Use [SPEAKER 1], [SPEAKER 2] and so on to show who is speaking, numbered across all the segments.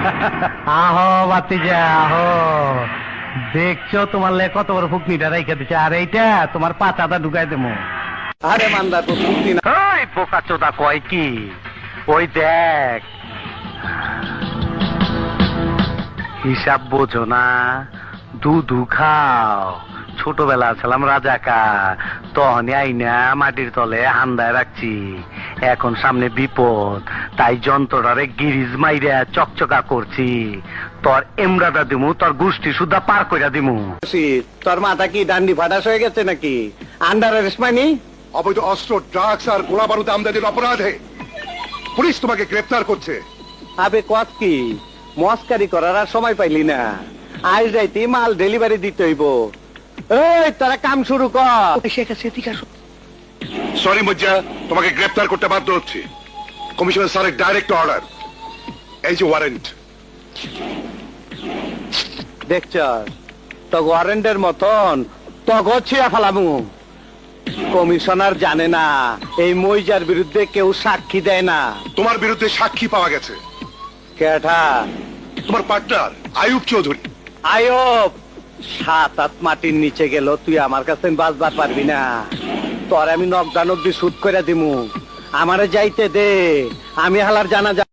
[SPEAKER 1] আহো বাতিজা আহো, দেখছো তোমার লে কত বড় ফুকনিটা রেখে দিচ্ছে, আর এইটা তোমার পাতাটা ঢুকাই দেবো।
[SPEAKER 2] আরে মান্দা তো ফুকনি না।
[SPEAKER 1] ওই পোকা চোদা কয় কি, ওই দেখ হিসাব বোঝো না, দুধু খাও। ছোটবেলা ছিলাম রাজাকার, তখনই আইনা মাটির তলে হান্দায় রাখছি। এখন সামনে বিপদ, তাই যন্ত্রটারে গিরিজ মাইরা চকচকা করছি। তোর এমরাটা দিমু, তোর গোষ্ঠী সুদ্ধা পার কইরা দিমু।
[SPEAKER 2] তোর মাথা কি ডান্ডি ফাটাস হয়ে গেছে নাকি? আন্ডার অ্যারেস্ট মানি?
[SPEAKER 3] অবৈধ অস্ত্র, ড্রাগস আর গোলা বারুদ আমদানির অপরাধে পুলিশ তোমাকে গ্রেফতার করছে।
[SPEAKER 2] আবে কত কি মস্কারি করার আর সময় পাইলি না, আজ রাইতে মাল ডেলিভারি দিতে হইব। এই তোরা কাম শুরু কর।
[SPEAKER 3] সরি মজ্জা, তোমাকে গ্রেফতার করতে বাধ্য হচ্ছে। কমিশনার স্যারের ডাইরেক্ট অর্ডার, এই যে ওয়ারেন্ট।
[SPEAKER 2] দেখছ তো ওয়ারেন্টের মতন তগো ছিয়া ফেলামু। কমিশনার জানে না এই মইজার বিরুদ্ধে কেউ সাক্ষী দেয় না।
[SPEAKER 3] তোমার বিরুদ্ধে সাক্ষী পাওয়া গেছে।
[SPEAKER 2] কেঠা?
[SPEAKER 3] তোমার পার্টনার আয়ুব চৌধুরী।
[SPEAKER 2] আয়ব 7-8 মাটির নিচে গেল, তুই আমার কাছে বাঁচবার পারবি না। তোর আমি নকদান অব্দি শুট করে দিমু। আমারে যাইতে দে, আমি হালার জানা যা।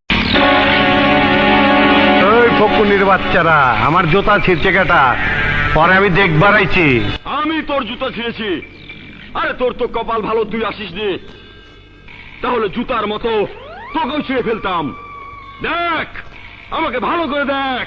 [SPEAKER 1] ওই ফকুনির বাচ্চারা, আমার জুতা ছিঁড়ছে কেটা, পরে আমি দেখবার আইছি।
[SPEAKER 4] আমি তোর জুতা ছিঁড়েছি? আরে তোর তো কপাল ভালো, তুই আসিস নি, তাহলে জুতার মতো তোকেও ছিঁড়ে ফেলতাম। দেখ, আমাকে ভালো করে দেখ।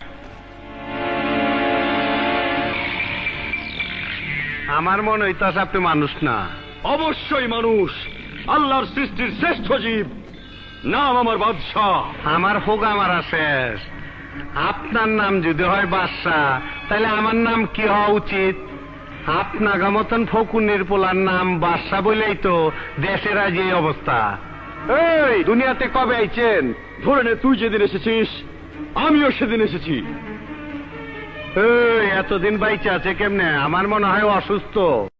[SPEAKER 1] আমার মনে হইতাছে আপনি মানুষ না।
[SPEAKER 4] অবশ্যই মানুষ, আল্লাহর সৃষ্টির শ্রেষ্ঠ জীব। নাম আমার বাদশাহ।
[SPEAKER 1] আমার হোগা মারা শেষ। আপনার নাম যদি হয় বাদশাহ, তাহলে আমার নাম কি হওয়া উচিত? আপনার মতন ফকুনির পোলার নাম বাদশাহ বলেই তো দেশের আজ এই অবস্থা। এই দুনিয়াতে কবে আইছেন?
[SPEAKER 4] ধরে নে, তুই যেদিন এসেছিস আমিও সেদিন এসেছি।
[SPEAKER 1] এই এতদিন বাইচে আছে কেমনে? আমার মনে হয় অসুস্থ।